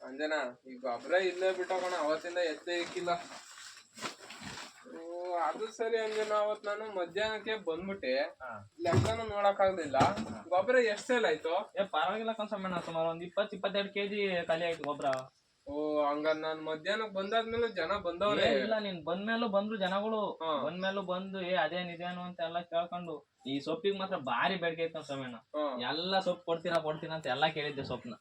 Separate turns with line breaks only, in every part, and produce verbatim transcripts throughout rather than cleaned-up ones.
ಅಂಜನಾ ಈ ಗೊಬ್ಬರ ಇಲ್ಲೇ ಬಿಟ್ಟೋಗೋಣ ಅವತ್ತಿಂದ ಎತ್ತೆ ಇಕ್ಕಿಲ್ಲ. ಅದು ಸರಿ ಅಂಜನಾ, ಅವತ್ ನಾನು ಮಧ್ಯಾಹ್ನಕ್ಕೆ ಬಂದ್ಬಿಟ್ಟೆ, ಲೆಕ್ಕನು ನೋಡಕ್ ಆಗ್ಲಿಲ್ಲ. ಗೊಬ್ಬರ ಎಷ್ಟ್ ಸೇಲ್ ಆಯ್ತು?
ಏ ಪರವಾಗಿಲ್ಲ ಕನ್ಸಮ್ಮಣ್ಣ, ಸುಮಾರು ಒಂದ್ ಇಪ್ಪತ್ ಇಪ್ಪತ್ತೆರಡು ಕೆಜಿ ಖಾಲಿ ಆಯ್ತು ಗೊಬ್ಬರ.
ಓ ಹಂಗ ನಾನ್ ಮಧ್ಯಾಹ್ನಕ್ ಬಂದಾದ್ಮೇಲೆ ಜನ ಬಂದವ್ರೆ.
ಇಲ್ಲ ನೀನ್ ಬಂದ್ಮೇಲೂ ಬಂದ್ರು ಜನಗಳು, ಬಂದ್ಮೇಲೂ ಬಂದು ಏ ಅದೇನ್ ಇದೇನು ಅಂತ ಎಲ್ಲಾ ಕೇಳ್ಕೊಂಡು. ಈ ಸೊಪ್ಪಿಗೆ ಮಾತ್ರ ಭಾರಿ ಬೇಡಿಕೆ ಐತೆ ಸಮಯನ. ಎಲ್ಲಾ ಸೊಪ್ಪು ಕೊಡ್ತೀರಾ ಕೊಡ್ತೀರಾ ಅಂತ ಎಲ್ಲಾ ಕೇಳಿದ್ದೆ ಸೊಪ್ಪನ.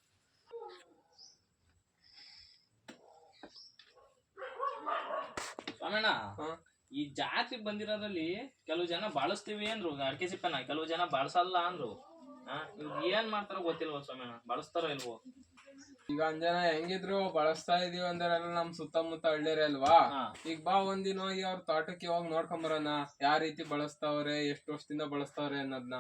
ಸ್ವಾಮಣ್ಣ, ಈ ಜಾತಿ ಬಂದಿರೋದ್ರಲ್ಲಿ ಕೆಲವು ಜನ ಬಳಸ್ತೀವಿ ಅಂದ್ರು ಅಡಿಕೆ ಸಿಪ್ಪೆನ, ಕೆಲವು ಜನ ಬಳಸಲ್ಲ ಅಂದ್ರು. ಏನ್ ಮಾಡ್ತಾರೋ ಗೊತ್ತಿಲ್ವ ಸ್ವಾಮಣ್ಣ, ಬಳಸ್ತಾರೋ ಇಲ್ವೋ?
ಈಗ ಅಂಜನ ಹೆಂಗಿದ್ರು ಬಳಸ್ತಾ ಇದೀವಿ ಅಂದ್ರೆ ನಮ್ ಸುತ್ತಮುತ್ತ ಹಳ್ಳಿರೇ ಅಲ್ವಾ. ಈಗ ಬಾ ಒಂದಿನ ಹೋಗಿ ಅವ್ರ ತೋಟಕ್ಕೆ ಹೋಗಿ ನೋಡ್ಕೊಂಬರೋಣ, ಯಾವ ರೀತಿ ಬಳಸ್ತಾವ್ರೆ, ಎಷ್ಟು ವರ್ಷದಿಂದ ಬಳಸ್ತಾವ್ರೆ ಅನ್ನೋದ್ನ.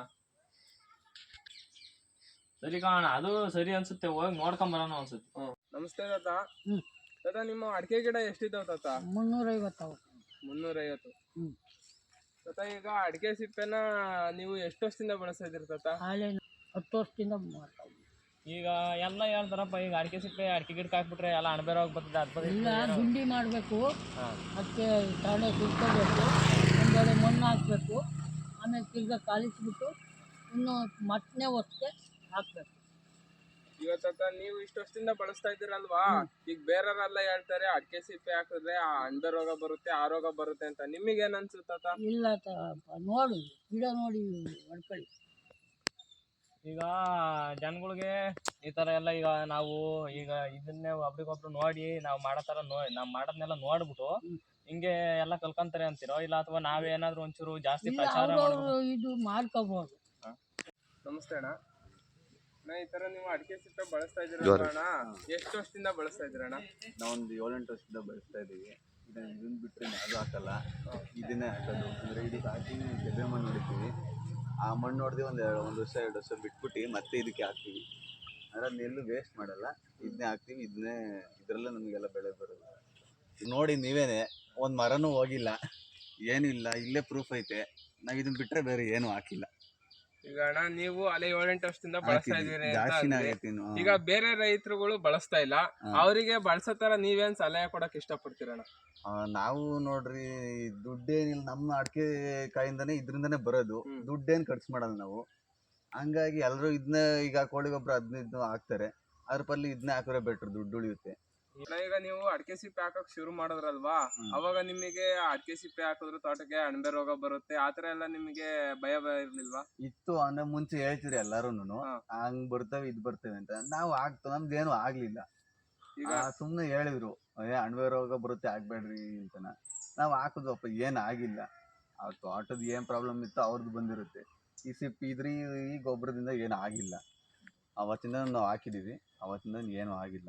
ಸರಿ ಕಾಣ, ಅದು ಸರಿ ಅನ್ಸುತ್ತೆ, ಹೋಗಿ ನೋಡ್ಕೊಂಬರೋಣ ಅನ್ಸುತ್ತೆ.
ಹ್ಮ್ ನಮಸ್ತೆ ತಾತ. ತಾತ ನಿಮ್ಮ ಅಡಿಕೆ ಗಿಡ ಎಷ್ಟಿದಾವ ತಾತ?
ಮುನ್ನೂರ ಐವತ್ತು.
ಮುನ್ನೂರ ಐವತ್ತು ತಾತ. ಈಗ ಅಡಿಕೆ ಸಿಪ್ಪೆನ ನೀವು ಎಷ್ಟು ವರ್ಷದಿಂದ ಬಳಸ್ತಾ ಇದೀರಿ ತಾತ?
ಹತ್ತು ವರ್ಷದಿಂದ
ಈಗ ಎಲ್ಲ ಹೇಳ್ತಾರಪ್ಪ, ಈಗ ಅಡಿಕೆ ಸಿಪ್ಪೆ ಅಡಿಕೆ ಗಿಡಕ್ಕೆ ಹಾಕ್ಬಿಟ್ರೆ ಎಲ್ಲ ಅಣಬೇರೋಗಿ ಬರ್ತದೆ, ಅದ್
ಇಲ್ಲ ಗುಂಡಿ ಮಾಡಬೇಕು, ಅದಕ್ಕೆ ತಡೆ ಸುತ್ಕೋಬೇಕು, ಒಂದೆರಡು ಮಣ್ಣು ಹಾಕಬೇಕು, ಆಮೇಲೆ ತಿರ್ಗಾ ಕಾಲಿಸ್ಬಿಟ್ಟು ಇನ್ನು ಮತ್ತನೇ ವರ್ಷಕ್ಕೆ ಹಾಕ್ಬೇಕು.
ಈಗ ತಾತ ನೀವು ಇಷ್ಟು ವರ್ಷದಿಂದ ಬಳಸ್ತಾ ಇದ್ದೀರಲ್ವಾ, ಈಗ ಬೇರೆಯವರೆಲ್ಲ ಹೇಳ್ತಾರೆ ಅಡಿಕೆ ಸಿಪ್ಪೆ ಹಾಕಿದ್ರೆ ಆ ಅಂಡ ರೋಗ ಬರುತ್ತೆ, ಆ ರೋಗ ಬರುತ್ತೆ ಅಂತ. ನಿಮಗೇನ್ ಅನ್ಸುತ್ತ?
ಇಲ್ಲ ನೋಡಿ ಗಿಡ ನೋಡಿ ಹೊಡ್ಕೊಳ್ಳಿ.
ಈಗ ಜನಗಳಿಗೆ ಈ ತರ ಎಲ್ಲ, ಈಗ ನಾವು ಈಗ ಇದನ್ನೇ ಒಬ್ರಿಗೊಬ್ರು ನೋಡಿ ನಾವು ಮಾಡೋ ತರ ನೋಡಿ ನಾವ್ ಮಾಡೋದ್ನೆಲ್ಲ ನೋಡ್ಬಿಟ್ಟು ಹಿಂಗೆ ಎಲ್ಲ ಕಲ್ಕೊಂತಾರೆ ಅಂತೀರೋ, ಇಲ್ಲ ಅಥವಾ ನಾವೇನಾದ್ರೂ ಒಂಚೂರು ಜಾಸ್ತಿ ಪ್ರಚಾರ
ಇದು ಮಾಡ್ಕೋಬಹುದು.
ನಮಸ್ತೆ ಅಣ್ಣ. ಈ ತರ ನೀವು ಅಡಿಕೆ ಸಿಪ್ಪೆ ಬಳಸ್ತಾ ಇದ್ದೀರಣ್ಣ, ಎಷ್ಟು ವರ್ಷದಿಂದ ಬಳಸ್ತಾ ಇದ್ದೀರಣ್ಣ?
ನಾವೊಂದು ಏಳೆಂಟು ವರ್ಷದಿಂದ ಬಳಸ್ತಾ ಇದೀವಿ. ಇದನ್ನ ಇದನ್ನ ಬಿಟ್ಟರೆ ಅದು ಹಾಕಲ್ಲ, ಇದನ್ನೇ ಹಾಕೋದು. ಅಂದ್ರೆ ಇದಕ್ಕೆ ಹಾಕಿ ಕೆಬ್ಬೆ ಮಣ್ಣು ಹೊಡಿತೀವಿ, ಆ ಮಣ್ಣು ಹೊಡೆದು ಒಂದು ಒಂದು ವರ್ಷ ಎರಡು ವರ್ಷ ಬಿಟ್ಬಿಟ್ಟು ಮತ್ತೆ ಇದಕ್ಕೆ ಹಾಕ್ತೀವಿ. ಅಂದ್ರೆ ಅದನ್ನೆಲ್ಲೂ ವೇಸ್ಟ್ ಮಾಡಲ್ಲ, ಇದನ್ನೇ ಹಾಕ್ತೀವಿ. ಇದನ್ನೇ ಇದರಲ್ಲೇ ನಮಗೆಲ್ಲ ಬೆಳೆ ಬರೋದು. ನೋಡಿ ನೀವೇನೆ, ಒಂದು ಮರನೂ ಹೋಗಿಲ್ಲ, ಏನೂ ಇಲ್ಲ, ಇಲ್ಲೇ ಪ್ರೂಫ್ ಐತೆ. ನಾವು ಇದನ್ನ ಬಿಟ್ಟರೆ ಬೇರೆ ಏನೂ ಹಾಕಿಲ್ಲ.
ಈಗ ಅಣ್ಣ ನೀವು ಅಲ್ಲೇ ಏಳೆಂಟು ವರ್ಷದಿಂದ ಬಳಸ್ತಾ ಇದೀರಿ ಅಂತ, ಈಗ ಬೇರೆ ರೈತರುಗಳು ಬಳಸ್ತಾ ಇಲ್ಲ, ಅವರಿಗೆ ಬಳಸೋ ತರ ನೀವೇನ್ ಸಲಹೆ ಕೊಡಕ್ ಇಷ್ಟಪಡ್ತೀರಣ್ಣ?
ನಾವು ನೋಡ್ರಿ, ದುಡ್ಡೇನಿಲ್ಲ, ನಮ್ಮ ಅಡಿಕೆ ಕಾಯಿಂದಾನೆ ಇದರಿಂದಾನೆ ಬರೋದು, ದುಡ್ಡೇನು ಖರ್ಚು ಮಾಡಲ್ಲ ನಾವು. ಹಂಗಾಗಿ ಎಲ್ಲರೂ ಇದನ್ನ, ಈಗ ಕೋಳಿ ಗೊಬ್ಬರ ಹದಿನೈದು ಹಾಕ್ತಾರೆ, ಅದ್ರ ಪಲ್ಲಿ ಇದನ್ನೇ ಹಾಕಿದ್ರೆ ಬೆಟ್ರ್, ದುಡ್ಡು ಉಳಿಯುತ್ತೆ.
ಈಗ ನೀವು ಅಡಿಕೆ ಸಿಪ್ಪೆ ಹಾಕಕ್ ಶುರು ಮಾಡಿದ್ರಲ್ವಾ, ಅವಾಗ ನಿಮಗೆ ಅಡಿಕೆ ಸಿಪ್ಪೆ ಹಾಕಿದ್ರು ತೋಟಕ್ಕೆ ಅಣಬೆ ರೋಗ ಬರುತ್ತೆ ಆತರ ಎಲ್ಲ ನಿಮಗೆ ಭಯ ಭಯ ಇರ್ಲಿಲ್ವಾ?
ಇತ್ತು, ಅಂದ್ರೆ ಮುಂಚೆ ಹೇಳ್ತೀರಿ ಎಲ್ಲಾರುನು ಹಂಗ್ ಬರ್ತವೆ ಇದ್ ಬರ್ತೇವೆ ಅಂತ. ನಾವು ಆಗ್ತು ನಮ್ದೇನು ಆಗ್ಲಿಲ್ಲ. ಈಗ ಸುಮ್ನೆ ಹೇಳಿದ್ರು ಏ ಅಣಬೆ ರೋಗ ಬರುತ್ತೆ ಆಗ್ಬೇಡ್ರಿ ಅಂತನ. ನಾವ್ ಹಾಕುದ್ವಪ್ಪ, ಏನ್ ಆಗಿಲ್ಲ. ಆ ತೋಟದ ಏನ್ ಪ್ರಾಬ್ಲಮ್ ಇತ್ತು ಅವ್ರದ್ದು ಬಂದಿರುತ್ತೆ. ಈ ಸಿಪ್ಪೆ ಇದ್ರಿ ಈ ಗೊಬ್ಬರದಿಂದ ಏನು ಆಗಿಲ್ಲ. ಅವತ್ತಿಂದ ನಾವು ಹಾಕಿದೀವಿ, ಅವತ್ತಿಂದ ಏನು ಆಗಿಲ್ಲ.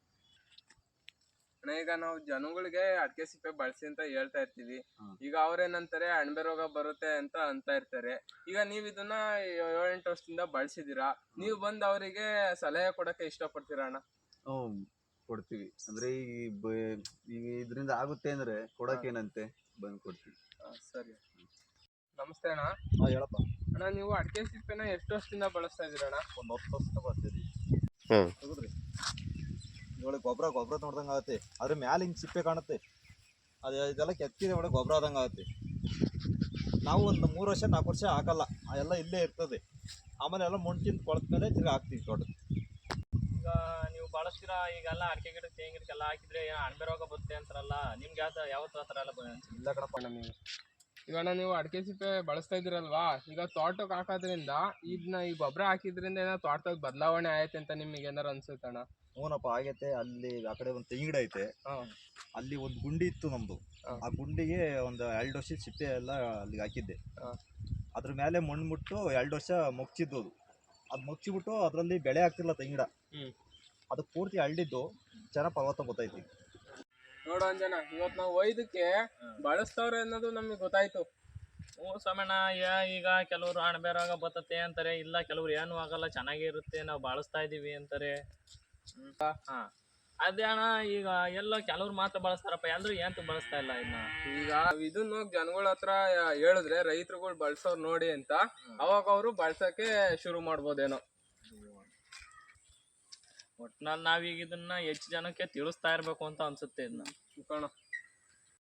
ಈಗ ನಾವು ಜನಗಳಿಗೆ ಅಡಿಕೆ ಸಿಪ್ಪೆ ಬಳಸಿ ಅಂತ ಹೇಳ್ತಾ ಇರ್ತೀವಿ, ಈಗ ಅವ್ರೇನಂತಾರೆ ಅಣಬೆ ರೋಗ ಬರುತ್ತೆ ಅಂತ ಅಂತ ಇರ್ತಾರೆ. ಈಗ ನೀವ್ ಇದನ್ನ ಏಳೆಂಟು ವರ್ಷದಿಂದ ಬಳಸಿದೀರಾ, ನೀವು ಬಂದ್ ಅವರಿಗೆ ಸಲಹೆ ಕೊಡಕ್ಕೆ ಇಷ್ಟ ಪಡ್ತೀರಾ ಅಣ್ಣ?
ಹ್ಮ್ ಕೊಡ್ತೀವಿ. ಅಂದ್ರೆ ಈಗ ಈಗ ಇದರಿಂದ ಆಗುತ್ತೆ ಅಂದ್ರೆ ಕೊಡಕ್ಕೇನಂತೆ ಬಂದ್ ಕೊಡ್ತೀವಿ.
ಸರಿ. ನಮಸ್ತೆ ಅಣ್ಣ.
ಹಾ ಹೇಳಪ್ಪ.
ಅಣ್ಣ ನೀವು ಅಡಿಕೆ ಸಿಪ್ಪೆನ ಎಷ್ಟು ವರ್ಷದಿಂದ ಬಳಸ್ತಾ ಇದೀರಣ್ಣ?
ಒಂದ್ ಹತ್ತು ವರ್ಷದಿಂದ ಬಳಸ್ತೀವಿ. ಹ್ಮ್ ತಗೋದ್ರಿ. ಇವಾಗ ಗೊಬ್ಬರ ಗೊಬ್ಬರ ನೋಡ್ದಂಗೆ ಆಗುತ್ತೆ, ಅದ್ರ ಮ್ಯಾಲೆ ಹಿಂಗೆ ಸಿಪ್ಪೆ ಕಾಣುತ್ತೆ, ಅದು ಇದೆಲ್ಲ ಕೆತ್ತಿದೆ ಒಳಗೆ ಗೊಬ್ಬರ ಆದಂಗೆ ಆಗುತ್ತೆ. ನಾವು ಒಂದು ಮೂರು ವರ್ಷ ನಾಲ್ಕು ವರ್ಷ ಹಾಕಲ್ಲ, ಎಲ್ಲ ಇಲ್ಲೇ ಇರ್ತದೆ. ಆಮೇಲೆ ಎಲ್ಲ ಮಣ್ಣು ತಿಂದು ಕೊಳತ ಮೇಲೆ ತಿರ್ಗಿ ಹಾಕ್ತೀವಿ ತೋಟಕ್ಕೆ.
ಈಗ ನೀವು ಬಳಸ್ತೀರಾ, ಈಗೆಲ್ಲ ಅಡಿಕೆ ಗಿಡ ತೆಂಗಿನ ಗಿಡಕ್ಕೆಲ್ಲ ಹಾಕಿದ್ರೆ ಅಣಬೆ ರೋಗ ಬರುತ್ತೆ ಅಂತಾರಲ್ಲ, ನಿಮ್ಗೆ ಯಾವ ಯಾವತ್ತು ಆ ಥರ ಎಲ್ಲ
ಇಲ್ಲ ಕಣಪ್ಪ ನಮಗೆ.
ಈಗ ನೀವು ಅಡಿಕೆ ಸಿಪ್ಪೆ ಬಳಸ್ತಾ ಇದ್ದೀರಲ್ವಾ, ಈಗ ತೋಟಕ್ಕೆ ಹಾಕೋದ್ರಿಂದ ಇದನ್ನ ಈ ಗೊಬ್ಬರ ಹಾಕಿದ್ರಿಂದ ಏನೋ ತೋಟದಾಗ ಬದಲಾವಣೆ ಆಯ್ತು ಅಂತ ನಿಮಗೆ ಏನಾರು ಅನ್ಸುತ್ತಣ್ಣ?
ಹ್ಞೂನಪ್ಪ ಆಗೈತೆ. ಅಲ್ಲಿ ಆ ಕಡೆ ಒಂದು ತೆಂಗಿನ ಗಿಡ ಐತೆ, ಅಲ್ಲಿ ಒಂದು ಗುಂಡಿ ಇತ್ತು ನಮ್ದು. ಆ ಗುಂಡಿಗೆ ಒಂದು ಎರಡು ವರ್ಷ ಸಿಪ್ಪೆ ಎಲ್ಲ ಅಲ್ಲಿಗೆ ಹಾಕಿದ್ದೆ. ಅದ್ರ ಮೇಲೆ ಮಣ್ಣು ಮುಟ್ಟು ಎರಡು ವರ್ಷ ಮುಚ್ಚಿದ್ದು. ಅದು ಅದು ಮುಚ್ಚಿಬಿಟ್ಟು ಅದರಲ್ಲಿ ಬೆಳೆ ಆಗ್ತಿಲ್ಲ ತೆಂಗಿನ. ಅದು ಪೂರ್ತಿ ಹಳ್ಳಿದ್ದು ಚೆನ್ನಾಗಿ ಪರ್ವತ ಗೊತ್ತೈತಿ.
ನೋಡು ಅಂಜನ, ಇವತ್ತು ನಾವು ಒಯ್ದಕ್ಕೆ ಬಳಸ್ತವ್ರೆ ಅನ್ನೋದು ನಮಗೆ ಗೊತ್ತಾಯ್ತು.
ಹ್ಞೂ ಸ್ವಾಮಣ್ಣ, ಈಗ ಕೆಲವರು ಅಣಬೆ ರೋಗ ಬರ್ತತೆ ಅಂತಾರೆ, ಇಲ್ಲ ಕೆಲವ್ರು ಏನು ಆಗಲ್ಲ ಚೆನ್ನಾಗೇ ಇರುತ್ತೆ ನಾವು ಬಳಸ್ತಾ ಇದೀವಿ ಅಂತಾರೆ. ಹಾ ಅದೇ ಅಣ್ಣ, ಈಗ ಎಲ್ಲ ಕೆಲವ್ರು ಮಾತ್ರ ಬಳಸ್ತಾರಪ್ಪ, ಎಲ್ಲರೂ ಏನ್ ಬಳಸ್ತಾ ಇಲ್ಲ ಇನ್ನ.
ಈಗ ಇದನ್ನ ಜನಗಳ ಹತ್ರ ಹೇಳಿದ್ರೆ ರೈತರುಗಳು ಬಳಸೋರ್ ನೋಡಿ ಅಂತ, ಅವಾಗ ಅವರು ಬಳಸಕ್ಕೆ ಶುರು ಮಾಡ್ಬೋದೇನೋ.
ಒಟ್ನಲ್ಲಿ ನಾವೀಗ ಇದನ್ನ ಹೆಚ್ಚು ಜನಕ್ಕೆ ತಿಳಿಸ್ತಾ ಇರ್ಬೇಕು ಅಂತ ಅನ್ಸುತ್ತೆ ಇದನ್ನ
ಕಣ